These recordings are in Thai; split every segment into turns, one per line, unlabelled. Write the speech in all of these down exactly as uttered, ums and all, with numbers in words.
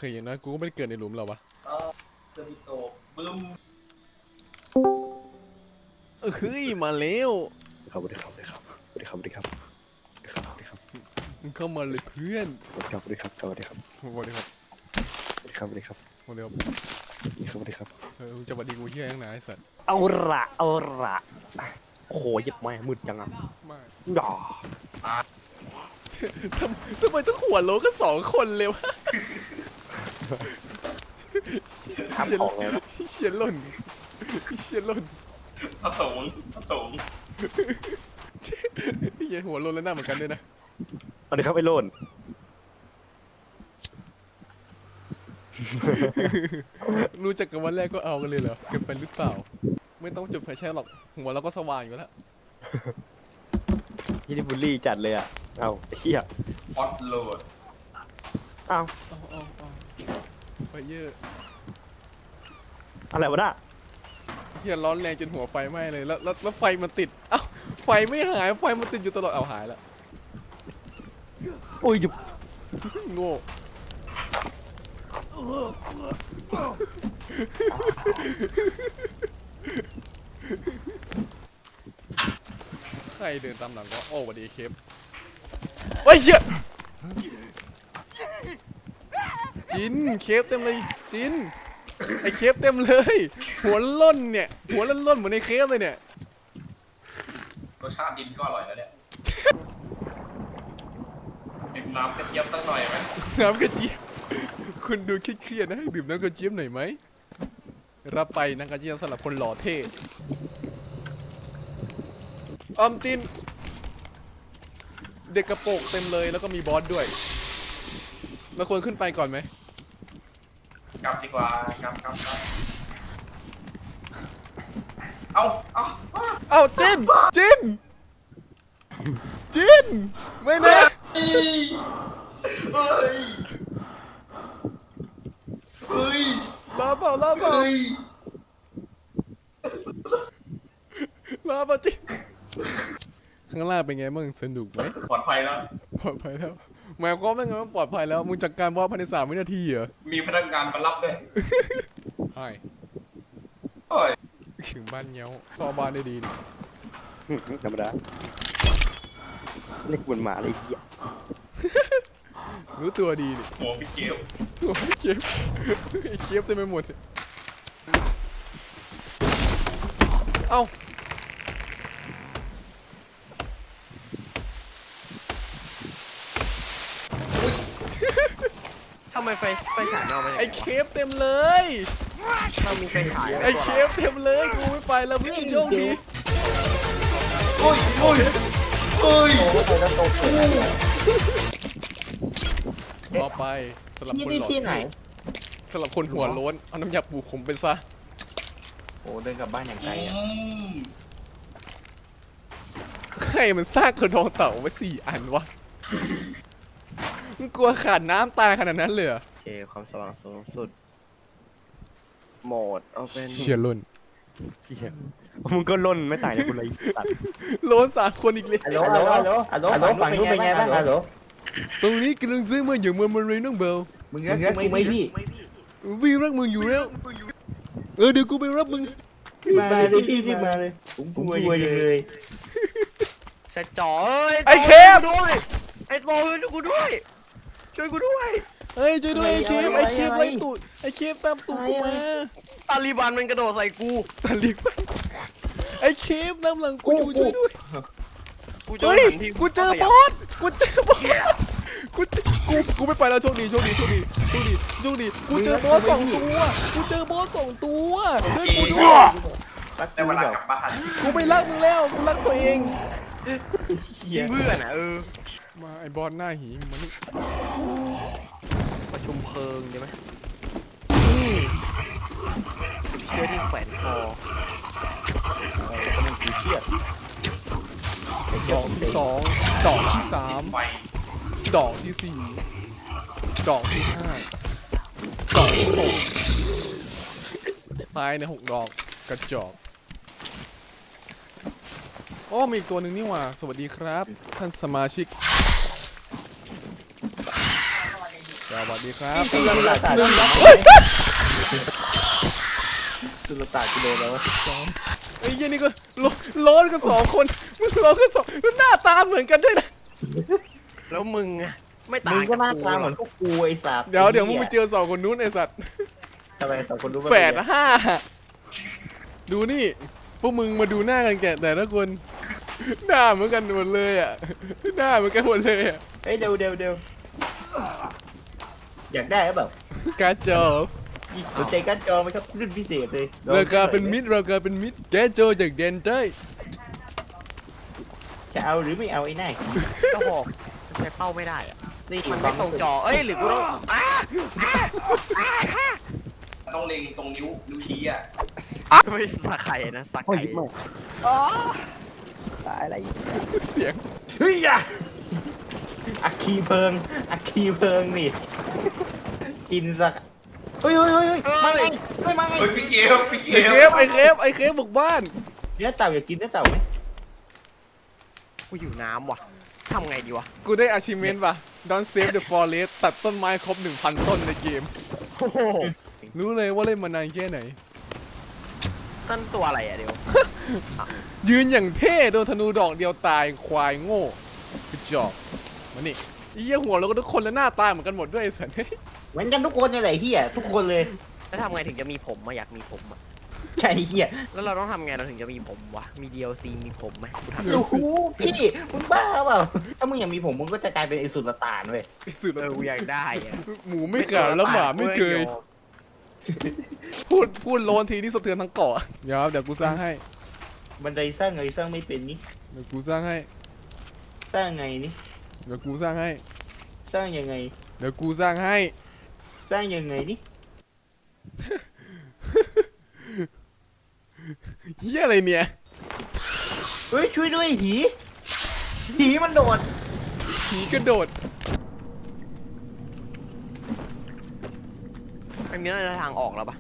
เคอย่างนั้นกูก็ไม่ได้เกิดในหลุมหรอวะ
เออเซอร์บิโตบึ้ม
เฮ้ยมาแล้ว
สวัสดีครับสวัสดีครับสวัสดีครับสวัสดีครับสวัสดีครับสวัสดีครับ
มึงเข้ามาเลยเพื่อน
สวัสดีครับสวัสดีครับสวัสดีครับ
สวัสดีครับ
สวัสดีครับสวัสดีครับ
สวัสดีครับ
สวัสดีครับ
เออจะวัดดีกูเฮียยังไงไอ้สัตว์
เอาละเอาละโอ้โหยิบแม่มืดจังอ่ะ
ไม่
อย่า
ทำทำไมต้องหัวโลกันสองคนเลยวะ
ทำของเลยนะ
เชียนล่นเชียนล่น
ผสมผสม
เฮียหัวโลนแล้วหน้าเหมือนกันด้วยนะ
สวัสดีครับไอ้โลน
รู้จักกันวันแรกก็เอากันเลยเหรอเกินไปหรือเปล่าไม่ต้องจุดไฟแช่หรอกหัวเราก็สว่างอยู่แล้ว
ยี่นี่บูลลี่จัดเลยอ่ะเอาไอ้เหี้ย
ฮอตโหลด
เอา
เอาเอาเอาไฟเยอะ
อะไรวะน่ะ
เฮียร้อนแรงจนหัวไฟไหม้เลยแล้วแล้วแล้วไฟมันติดเอ้าไฟไม่หายไฟมันติดอยู่ตลอดเอาหายแล้ว
โอ้ยหยุบ
โง่ใครเดินตามหลังก็โอ้สวัสดีเคปเฮ้ยเหี้ยจินเคปเต็มเลยจินไอเคปเต็มเลยหัวล้นเนี่ยหัวล้นล้นเหมือนในเคปเลยเนี่ย
รสชาติดินก็อร่อยแล้วเนี่ยดื่มน้ำกระเจี๊ยบตั้งหน่อยไหม
น้ำกระเจี๊ยบคุณดูเครียดๆนะให้ดื่มน้ำกระเจี๊ยบหน่อยไหมรับไปน้ำกระเจี๊ยบสำหรับคนหล่อเท่ออมจินเด็กกระโปรงเต็มเลยแล้วก็มีบอสด้วยเราควรขึ้นไปก่อนไหม
กลับดีกว่ากลับกลับกลับเอาเอา
เอาจินจินจินไม่นะ
เฮ้ยเฮ้ย
ลาเปล่าลาเปล่าลาเปล่าจินข้างล่างเป็นไงบ้างสนุกไหม
ปลอดภัยแล้ว
ปลอดภัยแล้วหมายความว่าไงว่าปลอดภัยแล้วมึงจัดการบอสภายในสามวินาทีเหรอ
มีพนักงานมารับด้วย
ใช่
โอ้ย
ถึงบ้านเงี้ยวเข้าบ้านได้ดี
ธรรมดาเล็กบนหมาเลยเหี้ย
รู้ตัวดีดิ
หัวพี่เจี๊ยบ
หัวพี่เจี๊ยบไอ้เจี๊ยบเต็มไปหมดเอ้า
ทำไมไฟไฟฉายเอาไป
ไอ้เคฟเต็มเลย
มันมีไฟฉาย
ไอ้เคฟเต็มเลยกูไม่ไปแล้วเพื่อนโชคดี
โอ้ยโอ้ยโอ้ย
ต่อไปสำหรับคนหล่อสำหรับคนหัวโล้นเอาน้ำยาปูขมไปซะ
โอ้เดินกลับบ้านอย่างไกลอ่ะ
ใครมันสร้างกระดองเต่าไว้สี่อันวะมึงกลัวขาดน้ำตายขนาดนั้นเลยเหรอ
โอเคความสว่างสูงสุดโหมดเอาเป็น
เชียร์ล้น
เชียร์มึงก็ล้นไม่ต่างจากคนเลยตัด
โล้นสามคนอีกเลย
ฮัลโหลฮัลโหลฮัลโหลฮัลโหลฝั่งนู้นเป็นไงบ้างฮัลโหล
ตรงนี้กำลังซื้อมาอย่างมันมาเลยน้องเบล
มึงรักกูไหมพี่
วิ่งรักมึงอยู่แล้วเออเดี๋ยวกูไปรับมึง
มาเลยพี่พี่มาเลยผมกลัวเลยเสร็จจ่อ
ไอ้เคฟ
ด้วยไอ้บอลช่วยกูด้วยช่วยกูด้วย
เฮ้ยช่วยด้วยไอ้เคฟไอ้เคฟไล่ตูดไอ้เคฟตามตูดกูมา
ตาลีบันมันกระโดดใส่กู
ตาลีบันไอ้เคฟนำหลังกูอยู่ช่วยด้วยเฮ้ยกูเจอบอสกูเจอบอสกูกูกูไม่ไปแล้วโชคดีโชคดีโชคดีโชคดีโชคดีกูเจอบอสสองตัวกูเจอบอสสองตัวช่วยกูด้วย
ได้เวลากลับบ้าน
กูไม่รักมึงแล้วกูรักตัวเอง
เพื่อนอ่ะเออ
มาไอ้บอสหน้าหีมันนี่
ประชุมเพลิงใช่ไหมเชือกที่แขวนคอมันคือเชือก
ดอกที่สองดอกที่สามดอกที่สี่ดอกที่ห้าดอกที่หกตายในหกดอกกระจอกโอ้มีอีกตัวหนึ่งนี่หว่าสวัสดีครับท่านสมาชิก
ค
วัสดีครับ
สุลต่าน
หนึ่ง
สุลต่านกิโลแล้ว
สองไอ้ยี่นี่ก็โลร้อนกันสองคนมึงร้อนกันสองหน้าตาเหมือนกันด้วยนะ
แล้วมึงอะไม่
มึ
ต่าง ง
ก็
จาก
หน้า
กู
ตา
ห
เห
ร
มื
อ
อก นพวกกูไอ้สัตว์
เดี๋ยวเดี๋ยวมึงไปเจอสองคนนู้นไอ้สัตว์
ทำไมสองคนรู้
แฝดห้าดูนี่พวกมึงมาดูหน้ากันแกแต่ละคนหน้าเหมือนกันหมดเลยอ่ะหน้าเหมือนกันหมดเลยอ่ะ
เฮ้ยเดี๋ยวเดี๋ยวเดี๋ยวอยากได้หรือเปล่า
การจอ
สนใจการจอไหมครับรุ่นพิเศษเลย
ราคาเป็นมิตรราคาเป็นมิตรแกโจจากเดนเต้ย
จะเอาหรือไม่เอาไอ้หน้า
ก็บอกใช้เป้าไม่ได้อะ
นี่
มันไม่ตรงจอเอ้ยหรือกูต้องอ้า
ต้องเล็งตรงนิ้วนิ้วชี้อ่ะ
ไม่สักไข่นะสัก
โอ้ย
ไข่
มาตายอะไร
เสียง
เฮ้ยอะอัคคีเพลิงอัคคีเพลิงนี่กินสักเฮ้ยเฮ้ยเฮ้ยเฮ้ยมาไงเฮ้ยมาไง
เฮ้ยพี่เคฟพี่เค
ไอเค
ฟ
ฟไอเคฟไอเคฟบุกบ้าน
เนื้อเต่าอยากกินเนื้อเต่าไหม
กูอยู่น้ำว่ะทำไงดีวะ
กูได้ achievement ป่ะ Don't save the forest ตัดต้นไม้ครบ หนึ่งพัน ต้นในเกม
โอ้โห
รู้เลยว่าเล่นมานานแค่ไหน
นั่นตัวอะไรอะเดี๋ยว
ยืนอย่างเท่โดนธนูดอกเดียวตายควายโง่กระจอกมานี่ไอ้เหี้ยหัวเราก็ทุกคนแล้วหน้าตาเหมือนกันหมดด้วยไอ้สัน
เหมือนกันทุกคนนี่แหละเฮียทุกคนเลย
แล้วทำไงถึงจะมีผมมาอยากมีผมอะ
ใช่เฮีย
แล้วเราต้องทำไงเราถึงจะมีผมวะมี ดี แอล ซี มีผมไหมกูทำ
โอ้โหพี่มึงบ้าเปล่าถ้ามึงอยากมีผมมึงก็จะกลายเป็นไอ้สุลต่านเว้ย
ไอ้สุด
เออกูอยากได้อะ
หมูไม่ขาดแล้วหมาไม่เคย พูดพูดโลนทีนี่สะเทือนทั้งเกาะเดี๋ยวเดี๋ยวกูสร้างให้
บันไดสร้างไงสร้างไม่เป็นนี่
เดี๋ยวกูสร้างให้
สร้างไงนี่
เดี๋ยวกูสร้างให้
สร้างยังไง
เดี๋ยวกูสร้างให้
สร้างยังไงนี่
เฮียอะไรเนี่ย
เฮ้ยช่วยด้วยหีหีมันโดด
ผีกระโดด
ไม่มีอะไรทางออกแล้วปะ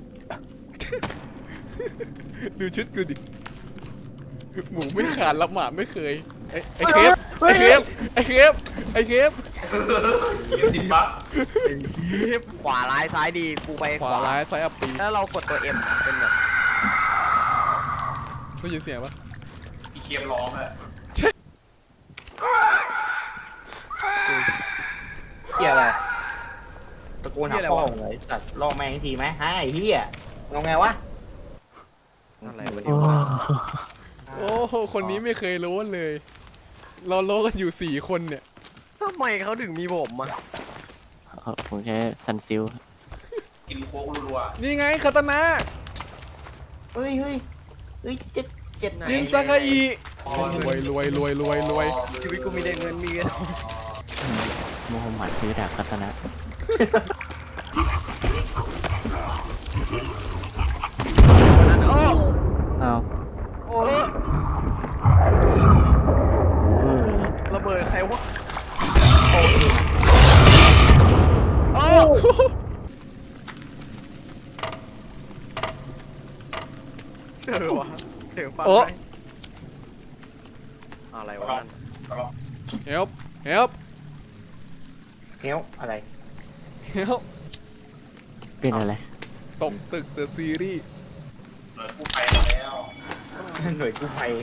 ดูชุดกูดิ หมูไม่ขาดแล้วหมาไม่เคย ไอ้ไอ้เคฟไอ้เคฟไอ้เคฟไอ้เคฟ
ติดบั๊ก
ขวาร้ายซ้ายดีกูไป
ขวาร้ายซ้ายอัปปี
แล้วเรากดตัว M เป็นแบบ
ได้ยินเสียงปะ
พี่เคฟร้องอะ
เฮียอะไรตะโกนหาพ่อมึงเลยตัดล่อแม่งทีไหมฮะไอ้เฮียเอาไงวะ
อะไรวะเนี่ย
โอ้โหคนนี้ไม่เคยรู้เลย เราโลกันอยู่สี่คนเนี่ย
ทำไมเขาถึงมีผมอะ
เอาผมใช้ซันซิล
กินโค้กรัว
นี่ไงคาตานะ
เฮ้ยเฮ้ยเฮ้ยเจ็ดเจ็ด
จินซากาอิรวยรวยรวยรวยรวย
ชีวิตกูมีแต่เงินมีเงิน
โมฮัมหมัดซื้อดาบคัตนะ
โอ้
อ้าว
โอ้
เออ
ระเบิดใครวะโอ้เจอวะเจอฟัง
โอ้
ไหมอะไรวะนั่น
เฮลเฮล
เฮลอะไร
เฮล
เป็นอะไร
ตกตึกเดอะซีรีส์
ๆหน่วยกู้ภัยมาแล้ว
หน่วยกู้ภัย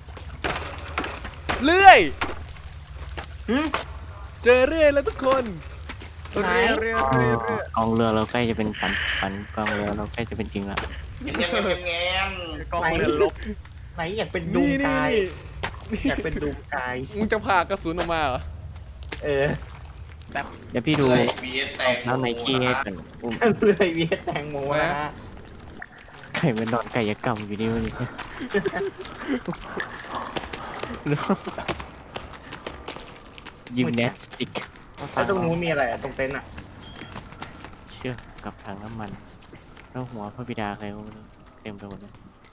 เลื่อย
หืม
เจอเรื่อยแล้วทุกคน
ไหน
เรือเรือเรือเรือก
องเรือเราใกล้จะเป็นฝันฝันกองเรือเราใกล้จะเป็นจริงแล้ว
เงี้ยเงี้ยเงี้ย
กองเรือลบ
ไหนอยากเป็นดู
นี่
ม
นี่
กาย
นี่
อยากเป็นดูมกาย
มึงจะผ่ากระสุนออกมาเหรอ
เออ
เดี๋ยวพี่ดู
เลยบีเอสแตง
แล้วไนกี้ให้กันอุ้ม
เลยเวียดแตงโมนะฮะ
ไข่มันนอนไก่ยกรรมอยู่นี่มันยิมแนสติก
แล้วตรงนู้นมีอะไรอะตรงเต็นท์อะ
เชือกกับถังน้ำมัน แล้วหัวพระบิดาใครก็ไม่รู้เต็มไปหมดเลย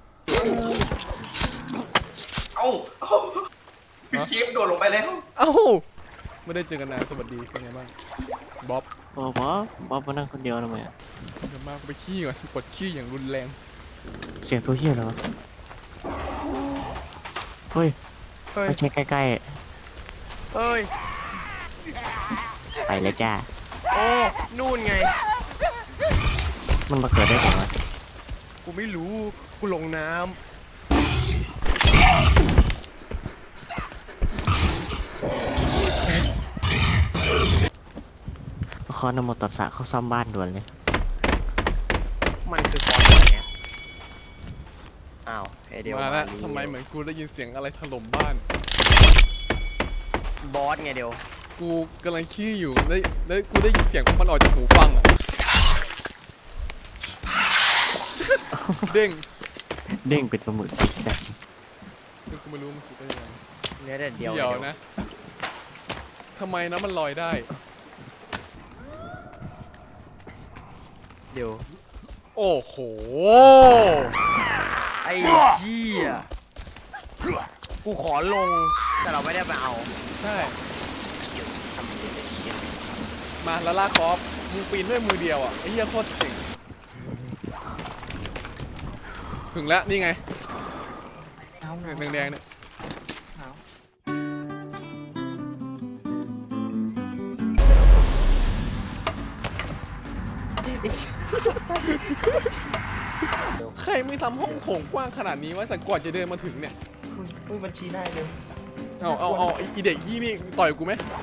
เอ้าเอ้าพี่เคฟโดดลงไปแล้ว
เอ้าไม่ได้เจอกันนานสวัสดีเป็นไงบ้างบ๊อบ
โอ้บ๊อบบ๊อบมานั่งคนเดียวทำไมอะ
เดี๋ยวมากูไปขี้ก่อนปวดขี้อย่างรุนแรง
เสียงตัวเฮียเหรอเฮ้ย
เฮ้ย
ไม่ใช่ใกล้
เฮ้ย
ๆ ไปแล้วจ้า
โอ้นู่นไง
มันมาเกิดได้ไงวะ
กูไม่รู้กูลงน้
คอนโมตัสสะเข้าซ่อมบ้านด่วนเลย
ำมันคือคอนอะไรเนี่ยอ้าวไอเดียว
มาแล้ว
ลี
ทำไมเหมือนกูได้ยินเสียงอะไรถล่มบ้าน
บอสไงเดียว
กูกำลังขี้อยู่ได้ได้กูได้ยินเสียงมันออกจากหูฟังอะเด้ง
เด้งเป็นปลาหมึกจิกแซก
คือกูไม่รู้มันสุดได้ยังไง
เนื้อแต่เดียว
เดี๋ยวนะทำไมนะมันลอยได้
เดี๋ยว
โอ้โห
ไอ้เหี้ยกูขอลงแต่เราไม่ได้ไปเอา
ใช่มาแล้วลากคอฟมึงปีนด้วยมือเดียวอ่ะไอ้เหี้ยโคตรเจ๋งถึงแล้วนี่ไง
เอา
แดงๆเนี่ย ใครไม่ทำห้องโถงกว้างขนาดนี้วะสักก่อนจะเดินมาถึงเนี่ย
อุ้ยบัญชีได้เลย
เอาเอาเอาไอ้อีเด็กยี่นี่ต่อยกูไหม